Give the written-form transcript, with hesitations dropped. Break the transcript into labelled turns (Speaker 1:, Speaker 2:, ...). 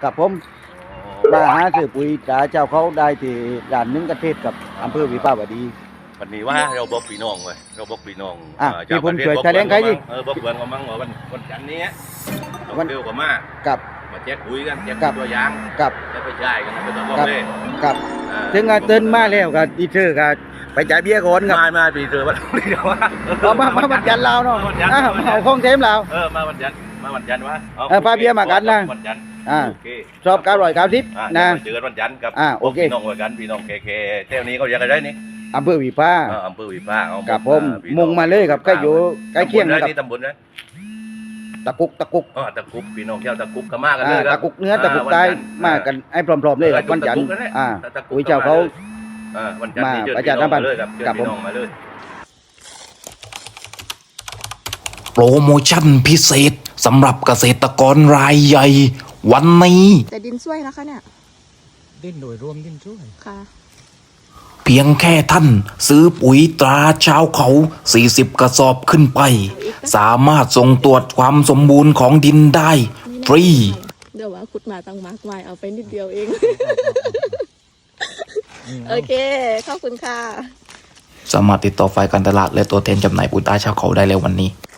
Speaker 1: กับผมมาหาซื้อปุ๋ยตราเจ้าเขาได้ที่ด่านหนึงกระเทศกับอำเภอวิภาวดี
Speaker 2: วันนี้ว่าเราบอกพี่น้องเว้ยเราบอกพี่น้อง
Speaker 1: พี่ผมช่วยแสดงใครดิ
Speaker 2: บอกเพื่อนก็มั่งว่าวันจันทร์นี้
Speaker 1: วัน
Speaker 2: เร็วกว่ามา
Speaker 1: กับ
Speaker 2: มาแจกปุ๋ยกันแจก
Speaker 1: ครับ
Speaker 2: ตัวอย่าง
Speaker 1: กับ
Speaker 2: แล้วไปจ่ายกันนะไปต่อบอก
Speaker 1: กับ
Speaker 2: เลย
Speaker 1: กับถึงเตือนมาแล้วก็ดีเธอก็ไปจ่ายเบี้ยก่อนครับ
Speaker 2: มาปีเจอวันนี้เดี๋ยวว่า
Speaker 1: เอามาวันจันทร์เราเนาะเอาของเทมเรา
Speaker 2: มาวันจันทร์วะ
Speaker 1: พาเบี้ยมากันนะ
Speaker 2: วันจันทร์
Speaker 1: โอเคชอบ990นะ
Speaker 2: เจอกันวันจันทร์กับ
Speaker 1: โอเค
Speaker 2: พี่น้องกันพี่น้องเคเที่ยวนี้เขาเรียกอะไรนี่
Speaker 1: อำเภอวิภา
Speaker 2: อำเภอวิภา
Speaker 1: กับผมมุ่งมาเลยครับใกล้อยู่ใกล้เคียง
Speaker 2: นะ
Speaker 1: กับ
Speaker 2: นี่ตำบลนะ
Speaker 1: ตะกุก
Speaker 2: ตะกุบพี่น้องเที่ยวตะกุบก็มากันเลย
Speaker 1: ตะกุกเนื้อตะกุกใต้มากันให้พร้อมๆเลยครับวันจันทร์ปุ๋ยเจ้าเขา
Speaker 2: วันจันทร์นี้เจอ
Speaker 1: มาประ
Speaker 2: พี่
Speaker 1: ชา
Speaker 2: น้
Speaker 1: สั
Speaker 2: อง
Speaker 1: มพั
Speaker 2: มาน
Speaker 1: ธ์
Speaker 2: เลยครับเจอ
Speaker 1: กับผม
Speaker 2: พี่น้องมาเลย
Speaker 3: โปรโมชั่นพิเศษสำหรับเกษตรกรรายใหญ่ วันนี้
Speaker 4: แต่ดินช่วยนะคะเนี่ย
Speaker 5: ดิ้นโดยรวมดิ้นช่วย
Speaker 4: ค่ะ
Speaker 3: เพียงแค่ท่านซื้อปุ๋ยตราชาวเขา 40 กระสอบขึ้นไป สามารถส่งตรวจความสมบูรณ์ของดินได้ฟรี
Speaker 4: เดี๋ยวว่าขุดมาตั้งมากมายเอาไปนิดเดียวเอง โอเค ขอบคุณค่ะ
Speaker 3: สามารถติดต่อฝ่ายการตลาดและตัวแทนจำหน่ายปุ๋ยตราชาวเขาได้แล้ววันนี้